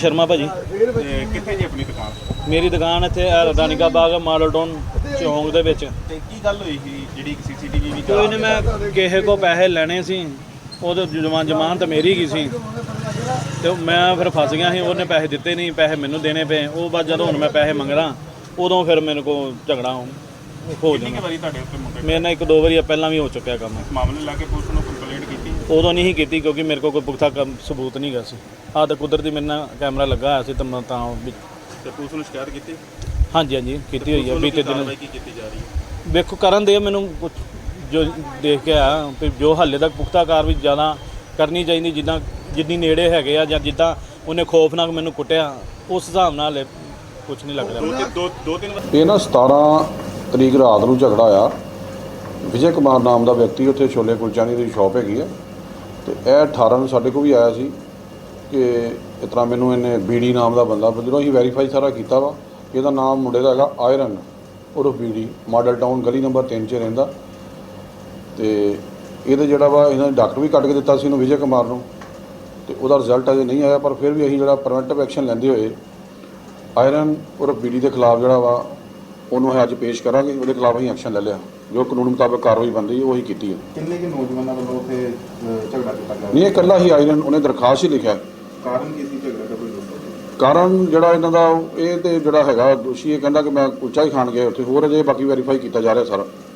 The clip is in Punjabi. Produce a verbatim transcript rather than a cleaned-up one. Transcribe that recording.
ਸ਼ਰਮਾ ਭਾਜੀ। ਤੇ ਕਿੱਥੇ ਜੀ ਆਪਣੀ ਦੁਕਾਨ? ਮੇਰੀ ਦੁਕਾਨ ਇੱਥੇ ਰਾਨੀਕਾ ਬਾਗ ਮਾਡਲ ਟਾਊਨ ਚੌਂਕ ਦੇ ਵਿੱਚ। ਤੇ ਕੀ ਗੱਲ ਹੋਈ ਸੀ ਜਿਹੜੀ ਸੀਸੀਟੀਵੀ ਵੀ ਕੋਈ ਨਹੀਂ, ਮੈਂ ਕਿਸੇ ਕੋ ਪੈਸੇ ਲੈਣੇ ਸੀ, ਉਹਦੇ ਜਮਾਨ ਜਮਾਨ ਤਾਂ ਮੇਰੀ ਗਈ ਸੀ ਤੇ ਮੈਂ ਫਿਰ ਫਸ ਗਿਆ ਸੀ। ਉਹਨੇ ਪੈਸੇ ਦਿੱਤੇ ਨਹੀਂ, ਪੈਸੇ ਮੈਨੂੰ ਦੇਣੇ ਪਏ। ਉਹ ਬਾਅਦ ਜਦੋਂ ਹੁਣ ਮੈਂ ਪੈਸੇ ਮੰਗਦਾ ਉਦੋਂ ਫਿਰ ਮੇਰੇ ਕੋਲ ਝਗੜਾ ਹੋ ਕਿੰਨੀ ਵਾਰੀ ਤੁਹਾਡੇ ਉੱਤੇ ਮੁੰਡੇ ਮੇਰੇ ਨਾਲ ਇੱਕ ਦੋ ਵਾਰੀ ਪਹਿਲਾਂ ਵੀ ਹੋ ਚੁੱਕਿਆ ਕੰਮ। ਇਸ ਮਾਮਲੇ ਲਾ ਕੇ ਪੁਲਿਸ ਨੂੰ ਕੰਪਲੇਂਟ ਕੀਤੀ? ਉਦੋਂ ਨਹੀਂ ਸੀ ਕੀਤੀ ਕਿਉਂਕਿ ਮੇਰੇ ਕੋਲ ਕੋਈ ਪੁਖਤਾ ਕੰਮ ਸਬੂਤ ਨਹੀਂ ਗਾ ਸੀ। ਆਹ ਤਾਂ ਕੁਦਰਤੀ ਮੇਰੇ ਨਾਲ ਕੈਮਰਾ ਲੱਗਾ ਹੋਇਆ ਸੀ ਤਾਂ ਮੈਂ ਤਾਂ ਵੀ ਤੇ ਪੁਲਿਸ ਨੂੰ ਸ਼ਿਕਾਇਤ ਕੀਤੀ? ਹਾਂਜੀ ਹਾਂਜੀ ਕੀਤੀ ਹੋਈ ਹੈ ਬੀਤੇ ਦਿਨ। ਕੀ ਕੀਤੀ ਜਾ ਰਹੀ ਹੈ? ਵੇਖੋ ਕਰਨ ਦੇ ਮੈਨੂੰ ਕੁਛ ਜੋ ਦੇਖ ਕੇ ਆ ਵੀ ਜੋ ਹਾਲੇ ਤੱਕ ਪੁਖਤਾ ਕਾਰਵਾਈ ਜ਼ਿਆਦਾ ਕਰਨੀ ਚਾਹੀਦੀ, ਜਿੱਦਾਂ ਜਿੰਨੀ ਨੇੜੇ ਹੈਗੇ ਆ ਜਾਂ ਜਿੱਦਾਂ ਉਹਨੇ ਖੌਫਨਾਕ ਮੈਨੂੰ ਕੁੱਟਿਆ ਉਸ ਹਿਸਾਬ ਨਾਲ ਕੁਛ ਨਹੀਂ ਲੱਗ ਰਿਹਾ। ਦੋ ਦੋ ਤਿੰਨ ਇਹ ਨਾ ਸਤਾਰਾਂ ਤਰੀਕ ਰਾਤ ਨੂੰ ਝਗੜਾ ਆ। ਵਿਜੇ ਕੁਮਾਰ ਨਾਮ ਦਾ ਵਿਅਕਤੀ ਉੱਥੇ ਛੋਲੇ ਕੁਲਚਾਨੀ ਦੀ ਸ਼ਾਪ ਹੈਗੀ ਆ ਤੇ ਇਹ ਅਠਾਰਾਂ ਨੂੰ ਸਾਡੇ ਕੋਲ ਵੀ ਆਇਆ ਸੀ ਕਿ ਇਸ ਤਰ੍ਹਾਂ ਮੈਨੂੰ ਇਹਨੇ ਬੀਡੀ ਨਾਮ ਦਾ ਬੰਦਾ, ਜਦੋਂ ਅਸੀਂ ਵੈਰੀਫਾਈ ਸਾਰਾ ਕੀਤਾ ਵਾ ਇਹਦਾ ਨਾਮ ਮੁੰਡੇ ਦਾ ਹੈਗਾ ਆਇਰਨ ਉਰਫ ਬੀਡੀ, ਮਾਡਲ ਟਾਊਨ ਗਲੀ ਨੰਬਰ ਤਿੰਨ 'ਚ ਰਹਿੰਦਾ। ਤੇ ਇਹਦੇ ਜਿਹੜਾ ਵਾ ਇਹਨਾਂ ਨੇ ਡਾਕਟਰ ਵੀ ਕੱਢ ਕੇ ਦਿੱਤਾ ਸੀ ਇਹਨੂੰ ਵਿਜੇ ਕੁਮਾਰ ਨੂੰ ਤੇ ਉਹਦਾ ਰਿਜ਼ਲਟ ਅਜੇ ਨਹੀਂ ਆਇਆ, ਪਰ ਫਿਰ ਵੀ ਅਸੀਂ ਜਿਹੜਾ ਪ੍ਰੀਵੈਂਟਿਵ ਐਕਸ਼ਨ ਲੈਂਦੇ ਹੋਏ ਆਇਰਨ ਉਰਫ ਬੀਡੀ ਦੇ ਖਿਲਾਫ ਜਿਹੜਾ ਵਾ ਉਹਨੂੰ ਅਸੀਂ ਅੱਜ ਪੇਸ਼ ਕਰਾਂਗੇ। ਉਹਦੇ ਖਿਲਾਫ ਅਸੀਂ ਐਕਸ਼ਨ ਲੈ ਲਿਆ, ਜੋ ਕਾਨੂੰਨ ਮੁਤਾਬਕ ਕਾਰਵਾਈ ਬਣਦੀ ਹੈ ਉਹੀ ਕੀਤੀ ਹੈ। ਕਿੰਨੇ ਕਿ ਨੌਜਵਾਨਾਂ ਵੱਲੋਂ ਉੱਥੇ ਝਗੜਾ ਕੀਤਾ ਗਿਆ? ਨਹੀਂ, ਇਹ ਇਕੱਲਾ ਹੀ ਆਇਰਨ, ਉਹਨੇ ਦਰਖਾਸਤ ਹੀ ਲਿਖਿਆ। ਕਾਰਨ ਕੀ ਸੀ ਝਗੜੇ ਦਾ? ਕੋਈ ਕਾਰਨ ਜਿਹੜਾ ਇਹਨਾਂ ਦਾ ਇਹ ਤੇ ਜਿਹੜਾ ਹੈਗਾ ਦੋਸ਼ੀ ਇਹ ਕਹਿੰਦਾ ਕਿ ਮੈਂ ਕੁਲਚਾ ਹੀ ਖਾਣ ਗਿਆ ਉੱਥੇ, ਹੋਰ ਅਜੇ ਬਾਕੀ ਵੈਰੀਫਾਈ ਕੀਤਾ ਜਾ ਰਿਹਾ ਸਾਰਾ।